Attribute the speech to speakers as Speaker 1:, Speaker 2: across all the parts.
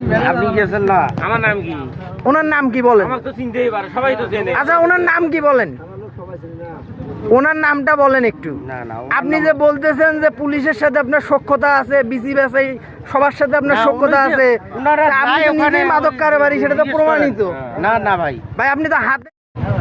Speaker 1: আপনি গেছেন না? আমার নাম কি?
Speaker 2: ওনার নাম কি বলেন?
Speaker 1: আমার তো চিনতেই পারে, সবাই তো চেনে।
Speaker 2: আচ্ছা ওনার নাম কি বলেন? ওনার নামটা বলেন একটু।
Speaker 1: না না,
Speaker 2: আপনি যে বলতেছেন যে পুলিশের সাথে আপনার সখ্যতা আছে, বিসিবি সবার সাথে আপনার সখ্যতা আছে, আপনি নিজেই মাদক কারবারি, সেটা তো প্রমাণিত।
Speaker 1: না না ভাই,
Speaker 2: ভাই আপনি তো হাতে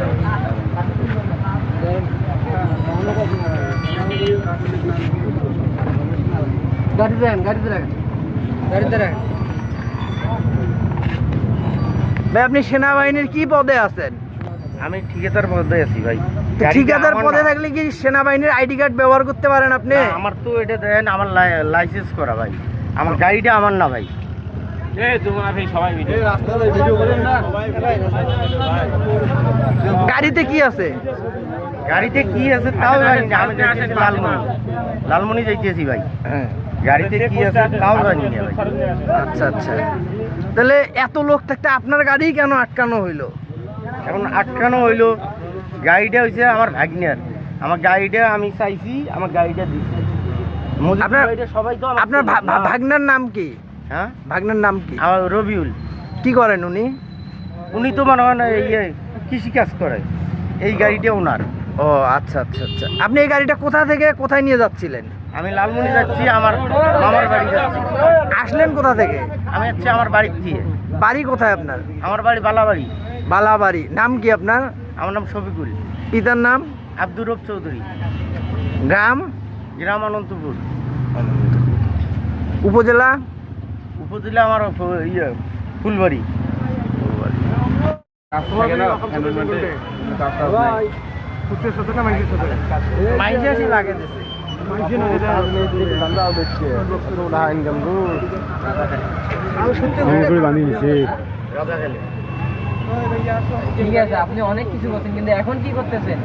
Speaker 2: ভাই আপনি সেনাবাহিনীর কি পদে আছেন?
Speaker 1: আমি ঠিকাদার পদে আছি ভাই।
Speaker 2: ঠিকাদার পদে থাকলে কি সেনাবাহিনীর আইডি কার্ড ব্যবহার করতে পারেন আপনি?
Speaker 1: আমার তো এটা দেন, আমার লাইসেন্স করা ভাই, আমার গাড়িটা আমার না ভাই।
Speaker 2: গাড়িতে কি আছে?
Speaker 1: গাড়িতে কি আছে তাও জানি না। আমি যাইতেছি লালমনি যাইতেছি ভাই। গাড়িতে কি আছে তাও জানি না ভাই।
Speaker 2: আচ্ছা আচ্ছা, তাহলে এত লোক থাকতে আপনার গাড়ি কেন আটকানো হইলো?
Speaker 1: এখন আটকানো হইলো, গাড়িটা হইছে আমার ভাগ্নের। আমার গাড়িটা আমি চাইছি, আমার গাড়িটা দিচ্ছে।
Speaker 2: আপনার
Speaker 1: সবাই তো
Speaker 2: আপনার ভাগ্নের নাম কি?
Speaker 1: হ্যাঁ,
Speaker 2: ভাগ্নের নাম কি?
Speaker 1: আমার রবিউল।
Speaker 2: কি করেন উনি?
Speaker 1: উনি তো মনে হয় না কৃষি কাজ করে। এই গাড়িটা ওনার।
Speaker 2: ও আচ্ছা আচ্ছা আচ্ছা, আপনি এই গাড়িটা কোথা থেকে কোথায় নিয়ে যাচ্ছিলেন?
Speaker 1: আমি লালমনি যাচ্ছি, আমার মামার বাড়ি যাচ্ছি।
Speaker 2: আসলেন কোথা থেকে?
Speaker 1: আমি হচ্ছে আমার বাড়ির দিয়ে।
Speaker 2: বাড়ি কোথায় আপনার?
Speaker 1: আমার বাড়ি বালাবাড়ি।
Speaker 2: বালাবাড়ি। নাম কি আপনার?
Speaker 1: আমার নাম শফিকুল।
Speaker 2: পিতার নাম?
Speaker 1: আব্দুর রব চৌধুরী।
Speaker 2: গ্রাম?
Speaker 1: গ্রাম অনন্তপুর।
Speaker 2: উপজেলা?
Speaker 1: উপজেলা আমার ফুলবাড়ি। লাগে
Speaker 3: ঠিক আছে, আপনি অনেক কিছু করছেন, কিন্তু এখন কি করতেছেন?